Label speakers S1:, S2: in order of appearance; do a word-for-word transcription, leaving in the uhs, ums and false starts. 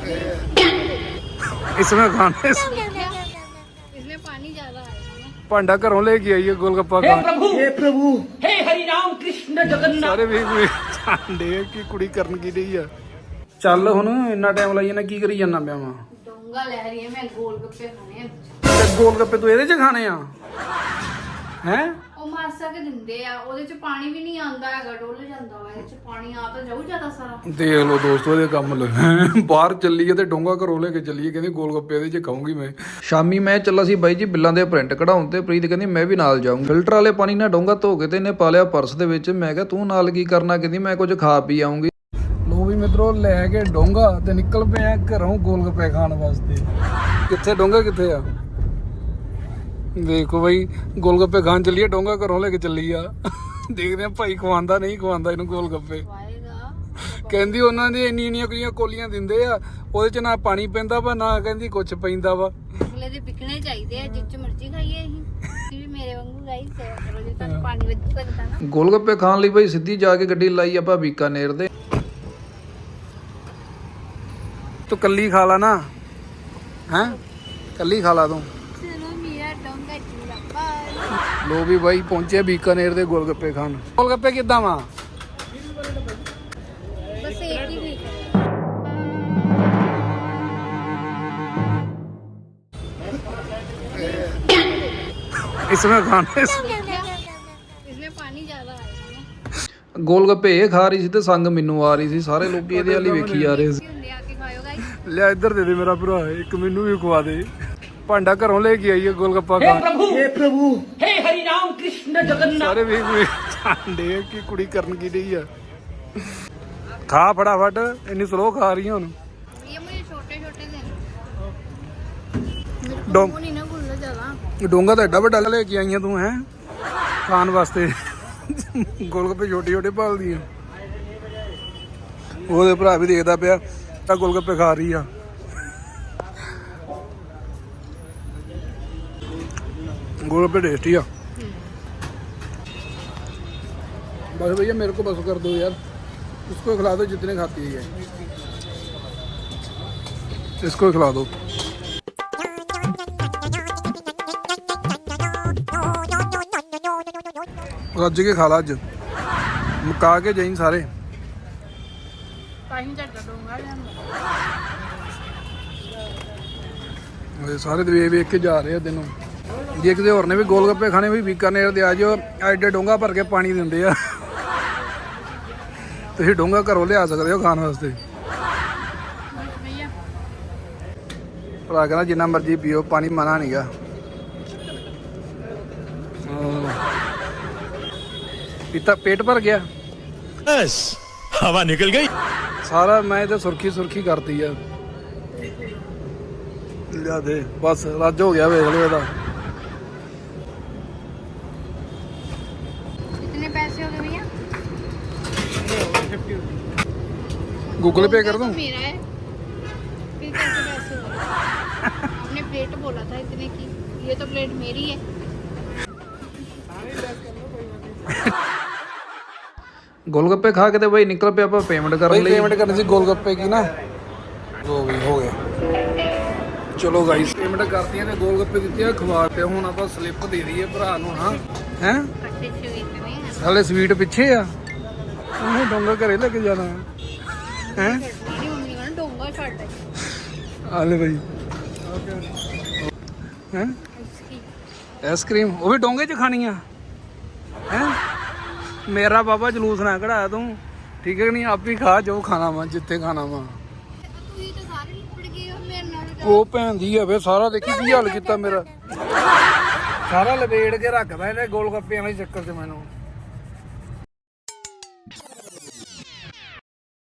S1: इसमें खाने
S2: इसमें पानी ज्यादा आएगा।
S1: भांडा घरों लेके आइए गोलगप्पा खान।
S3: हे प्रभु हे हरि राम कृष्ण जगन्नाथ
S1: ਸਾਰੇ ਵੀ ਜਾਣਦੇ ਕਿ ਕੁੜੀ ਕਰਨ ਕੀ ਰਹੀ ਆ। ਚੱਲ ਹੁਣ ਇੰਨਾ ਟਾਈਮ ਲਾਈ ਜਾਣਾ, ਕੀ ਕਰੀ ਜਾਣਾ ਪਿਆ ਵਾ।
S2: डोंगा लह रही है, मैं गोलगप्पे खाने हैं।
S1: ਤੇ ਗੋਲਗੱਪੇ ਤੂੰ ਇਹਦੇ ਚ ਖਾਣੇ ਆ ਹੈ?
S2: ਉਹ ਮਾਸਾ ਕੇ ਦਿੰਦੇ ਆ, ਉਹਦੇ ਚ ਪਾਣੀ ਵੀ ਨਹੀਂ ਆਂਦਾ ਹੈਗਾ, ਡੁੱਲ ਜਾਂਦਾ ਵਾ। ਇਹਦੇ ਚ ਪਾਣੀ ਆ ਤਾਂ ਜਾਊ ਜ਼ਿਆਦਾ ਸਾਰਾ।
S1: ਦੇਖ ਲਓ ਦੋਸਤੋ ਇਹਦੇ ਕੰਮ ਲੱਗੇ। ਬਾਹਰ ਚੱਲੀਏ ਤੇ ਡੋਂਗਾ ਘਰੋਂ ਲੈ ਕੇ ਚੱਲੀਏ, ਕਹਿੰਦੀ ਗੋਲਗੱਪੇ ਇਹਦੇ ਚ ਖਾਊਂਗੀ ਮੈਂ। ਸ਼ਾਮੀ ਮੈਂ ਚੱਲਾ ਸੀ ਬਾਈ ਜੀ ਬਿੱਲਾਂ ਦੇ ਪ੍ਰਿੰਟ ਕਢਾਉਣ ਤੇ ਪ੍ਰੀਤ ਕਹਿੰਦੀ ਮੈਂ ਵੀ ਨਾਲ ਜਾਊਂ। ਫਿਲਟਰ ਵਾਲੇ ਪਾਣੀ ਨਾਲ ਡੋਂਗਾ ਧੋ ਕੇ ਤੇ ਇਹਨੇ ਪਾ ਲਿਆ ਪਰਸ ਦੇ ਵਿੱਚ। ਮੈਂ ਕਿਹਾ ਤੂੰ ਨਾਲ ਕੀ ਕਰਨਾ? ਕਹਿੰਦੀ ਮੈਂ ਕੁਝ ਖਾ ਪੀ ਆਉਂਗੀ। ਲੋ ਵੀ ਮਿੱਤਰੋ ਲੈ ਕੇ ਡੋਂਗਾ ਤੇ ਨਿਕਲ ਪਏ ਆ ਘਰੋਂ ਗੋਲਗੱਪੇ ਖਾਣ ਵਾਸਤੇ। ਕਿੱਥੇ ਡੋਂਗਾ ਕਿੱਥੇ ਆ? ਦੇਖੋ ਬਾਈ ਗੋਲਗੱਪੇ ਖਾਣ ਚੱਲੀਏ, ਡੋਂਗਾ ਘਰੋਂ ਲੈ ਕੇ ਚੱਲੀ ਆ। ਦੇਖਦੇ ਆ ਭਾਈ ਖਵਾਉਂਦਾ ਨਹੀਂ ਖਵਾਉਂਦਾ ਇਹਨੂੰ ਗੋਲਗੱਪੇ। ਕਹਿੰਦੀ ਉਹਨਾਂ ਦੀ ਇੰਨੀ ਇੰਨੀਆਂ ਕੁੜੀਆਂ ਕੋਲੀਆਂ ਦਿੰਦੇ ਆ, ਉਹਦੇ ਚ ਨਾ ਪਾਣੀ ਪੈਂਦਾ ਵਾ ਨਾ ਕਹਿੰਦੀ ਕੁਛ ਪੈਂਦਾ ਵਾ।
S2: ਅਗਲੇ ਦੇ ਪਿਕਣੇ ਚਾਹੀਦੇ ਆ, ਜਿੱਚ ਮਰਜ਼ੀ ਖਾਈਏ ਅਸੀਂ। ਤੁਸੀਂ ਵੀ ਮੇਰੇ ਵਾਂਗੂ ਗਾਈ ਸੇਵਾ ਕਰੋ, ਜੇ ਤੁਹਾਨੂੰ ਪਾਣੀ ਵਿੱਚ ਪੈਂਦਾ ਨਾ।
S1: ਗੋਲਗੱਪੇ ਖਾਣ ਲਈ ਬਾਈ ਸਿੱਧੀ ਜਾ ਕੇ ਗੱਡੀ ਲਾਈ ਆਪਾਂ ਬੀਕਾਨੇਰ ਦੇ। ਤੂੰ ਕੱਲੀ ਖਾ ਲਾ ਨਾ, ਹੈ ਕੱਲੀ ਖਾ ਲਾ ਤੂੰ। ਲੋ ਵੀ ਬਾਈ ਪਹੁੰਚੇ ਬੀਕਾਨੇਰ ਦੇ ਗੋਲਗੱਪੇ ਖਾਣ। ਗੋਲਗੱਪੇ ਕਿੱਦਾਂ ਵਾ?
S2: ਬਸ ਇੱਕ ਹੀ ਠੀਕ ਹੈ।
S1: इसमें खाने
S2: इसमें पानी ज्यादा आएगा।
S1: ਗੋਲਗੱਪੇ ਇਹ ਖਾ ਰਹੀ ਸੀ ਤੇ ਸੰਗ ਮੈਨੂੰ ਆ ਰਹੀ ਸੀ। ਸਾਰੇ ਲੋਕੀ ਇਹਦੇ ਵਾਲੀ ਵੇਖੀ ਜਾ ਰਹੇ ਸੀ।
S2: ਹੁੰਦੇ ਆ ਕੇ ਖਾਇਓ ਗਾਇਸ।
S1: ਲਿਆ ਇੱਧਰ ਦੇ ਦੇ ਮੇਰਾ ਭਰਾ, ਇੱਕ ਮੈਨੂੰ ਵੀ ਖਵਾ ਦੇ। ਭਾਂਡਾ ਘਰੋਂ ਲੈ ਕੇ ਆਈਏ ਗੋਲਗੱਪਾ ਖਾਣ।
S3: हे प्रभु हे हरि राम कृष्ण जगन्नाथ
S1: ਸਾਰੇ ਵੀ ਜਾਣਦੇ ਕਿ ਕੁੜੀ ਕਰਨ ਕੀ ਰਹੀ ਆ। ਖਾ ਫਟਾਫਟ, ਇੰਨੀ ਸਲੋ ਖਾ ਰਹੀ ਹੁਣ।
S2: ये मुझे छोटे छोटे देना।
S1: ਡੋਂ-
S2: वो नहीं ना भूलना ज्यादा।
S1: ਡੋਂਗਾ ਤਾਂ ਐਡਾ ਵੱਡਾ ਲੈ ਕੇ ਆਈਆਂ ਤੂੰ ਹੈ ਖਾਣ ਵਾਸਤੇ। ਗੋਲਗੱਪੇ ਛੋਟੇ ਛੋਟੇ ਭਾਲਦੀ ਆ। ਉਹਦੇ ਭਰਾ ਵੀ ਦੇਖਦਾ ਪਿਆ ਤਾਂ ਗੋਲਗੱਪੇ ਖਾ ਰਹੀ ਆ। गोलगप्पे टेस्टी आ। बस भैया मेरे को बस कर दो यार, उसको खिला दो जितने खाती है, इसको खिला दो। रज के खा ला अज, मुका के जाई सारे। सारे वे वेख के जा रहे तेनों। ਜੇ ਕਿਸੇ ਹੋਰ ਨੇ ਵੀ ਗੋਲਗੱਪੇ ਖਾਣੇ ਵੀ ਬੀਕਾਨੇਰ ਦੇ ਆ ਜਾਓ, ਐਡੇ ਡੋਂਗਾ ਭਰ ਕੇ ਪਾਣੀ ਦਿੰਦੇ ਆ। ਤੁਸੀਂ ਡੋਂਗਾ ਘਰੋਂ ਲਿਆ ਸਕਦੇ ਹੋ ਖਾਣ ਵਾਸਤੇ। ਭਰਾ ਕਹਿੰਦਾ ਜਿੰਨਾ ਮਰਜ਼ੀ ਪੀਓ, ਪਾਣੀ ਮਨਾ ਨਹੀਂਗਾ। ਪੀਤਾ ਪੇਟ ਭਰ ਗਿਆ,
S4: बस हवा निकल गई।
S1: ਸਾਰਾ ਮੈਂ ਤੇ ਸੁਰਖੀ ਸੁਰਖੀ ਕਰਤੀ ਆ। ਲਿਆ ਦੇ ਬਸ, ਰੱਜ ਹੋ ਗਿਆ। ਵੇਖ ਲਓ ਇਹਦਾ।
S2: कितने पैसे हो गए भैया?
S1: गूगल पे कर दूं?
S2: मेरा है। फिर कैसे पैसे हो गए? आपने प्लेट बोला था इतने की, ये तो प्लेट मेरी है।
S1: ਗੋਲਗੱਪੇ ਖਾ ਕੇ ਤੇ ਬਈ ਨਿਕਲ ਪਿਆ ਆਪਾਂ ਪੇਮੈਂਟ ਕਰਨ ਲਈ। ਪੇਮੈਂਟ ਕਰਨੀ ਸੀ ਗੋਲਗੱਪੇ ਕੀ ਨਾ, ਹੋ ਗਈ ਹੋ ਗਿਆ। ਚਲੋ ਗਾਈਸ ਪੇਮੈਂਟ ਕਰਤੀਆਂ ਤੇ ਗੋਲਗੱਪੇ ਦਿੱਤੇ ਆ, ਖਵਾ ਤੇ ਹੁਣ ਆਪਾਂ ਸਲਿੱਪ ਦੇ ਦਈਏ ਭਰਾ ਨੂੰ। ਹਾਂ ਹੈ
S2: खट्टे स्वीट में
S1: ਹਾਲੇ ਸਵੀਟ ਪਿੱਛੇ ਆ, ਉਹਨੇ ਡੋਂਗਾ ਘਰੇ ਲੈ ਕੇ ਜਾਣਾ ਹੈ।
S2: मेरी मम्मी ने डोंगा छाड़ दे
S1: ਹਾਲੇ ਬਈ ਹੈ
S2: इसकी।
S1: ਆਈਸਕ੍ਰੀਮ ਉਹ ਵੀ ਡੋਂਗੇ 'ਚ ਖਾਣੀ ਆ ਹੈ। ਮੇਰਾ ਬਾਬਾ ਜਲੂਸ ਨਾ ਕਢਾ ਤੂੰ, ਠੀਕ ਹੈ ਨਹੀਂ? ਆਪ ਹੀ ਖਾ ਜੋ ਖਾਣਾ ਵਾ, ਜਿੱਥੇ ਖਾਣਾ ਵਾ।
S2: तू ही तो सारे लिपट गए हो मेरे नाल।
S1: ਉਹ ਭੈਣ ਦੀ ਆ ਵੇ, ਸਾਰਾ ਦੇਖੀ ਕੀ ਹਾਲ ਕੀਤਾ ਮੇਰਾ। ਸਾਰਾ ਲਪੇੜ ਕੇ ਰੱਖਦਾ ਇਹਨੇ ਗੋਲ ਗੱਪਿਆਂ ਦੇ ਚੱਕਰ 'ਚ ਮੈਨੂੰ।